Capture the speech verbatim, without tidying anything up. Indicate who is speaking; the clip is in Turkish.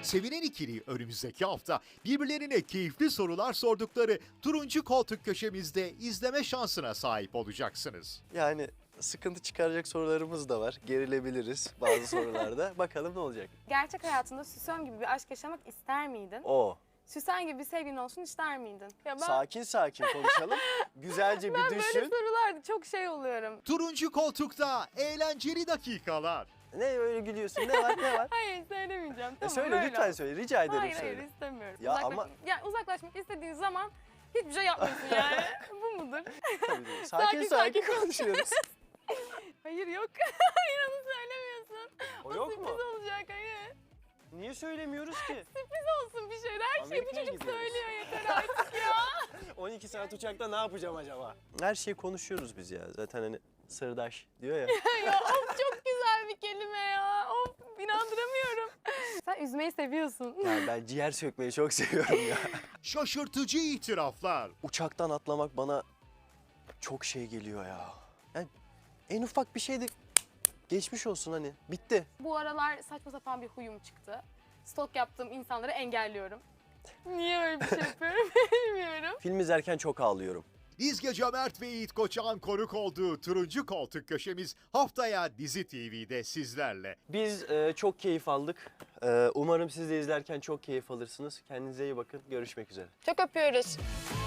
Speaker 1: Sevinen ikili önümüzdeki hafta birbirlerine keyifli sorular sordukları turuncu koltuk köşemizde izleme şansına sahip olacaksınız.
Speaker 2: Yani sıkıntı çıkaracak sorularımız da var. Gerilebiliriz bazı sorularda. Bakalım ne olacak?
Speaker 3: Gerçek hayatında Süsen gibi bir aşk yaşamak ister miydin?
Speaker 2: O.
Speaker 3: Süsen gibi bir sevgilin olsun ister miydin? Ya ben,
Speaker 2: Sakin sakin konuşalım. Güzelce bir
Speaker 3: ben böyle
Speaker 2: düşün.
Speaker 3: sorularda çok şey oluyorum.
Speaker 1: Turuncu koltukta eğlenceli dakikalar.
Speaker 2: Ne öyle gülüyorsun? Ne var ne var?
Speaker 3: Hayır söylemeyeceğim.
Speaker 2: E
Speaker 3: Tamam,
Speaker 2: söyle
Speaker 3: öyle
Speaker 2: lütfen
Speaker 3: ol.
Speaker 2: söyle. Rica ederim
Speaker 3: Hayır
Speaker 2: söyle.
Speaker 3: hayır istemiyorum.
Speaker 2: Ya
Speaker 3: Uzaklaş-
Speaker 2: ama-
Speaker 3: yani uzaklaşmak istediğin zaman hiçbir şey yapmıyorsun yani. Bu mudur?
Speaker 2: Tabii, tabii. Sakin
Speaker 3: Sakin,
Speaker 2: sakin,
Speaker 3: sakin.
Speaker 2: konuşuyoruz.
Speaker 3: Hayır yok. Hayır onu söylemiyorsun.
Speaker 2: O
Speaker 3: O,
Speaker 2: yok mu?
Speaker 3: sürpriz olacak hayır.
Speaker 2: Niye söylemiyoruz ki?
Speaker 3: Sürpriz olsun bir şeyler. Her şeyi bu
Speaker 2: Amerika'ya
Speaker 3: çocuk
Speaker 2: gidiyoruz.
Speaker 3: söylüyor yeter artık ya.
Speaker 2: on iki saat uçakta ne yapacağım acaba? Her şeyi konuşuyoruz biz ya. Zaten hani sırdaş diyor ya.
Speaker 3: Ya of çok güzel bir kelime ya. Of inandıramıyorum. Sen üzmeyi seviyorsun.
Speaker 2: Yani ben ciğer sökmeyi çok seviyorum ya.
Speaker 1: Şaşırtıcı itiraflar.
Speaker 2: Uçaktan atlamak bana çok şey geliyor ya. Yani en ufak bir şeyde geçmiş olsun hani. Bitti.
Speaker 3: Bu aralar saçma sapan bir huyum çıktı. Stalk yaptığım insanları engelliyorum. Niye öyle bir şey yapıyorum bilmiyorum.
Speaker 2: Film izlerken çok ağlıyorum.
Speaker 1: İzge Cömert ve Yiğit Koçak'ın konuk olduğu turuncu koltuk köşemiz haftaya Dizi T V'de sizlerle.
Speaker 2: Biz e, çok keyif aldık. E, umarım siz de izlerken çok keyif alırsınız. Kendinize iyi bakın. Görüşmek üzere.
Speaker 3: Çok öpüyoruz.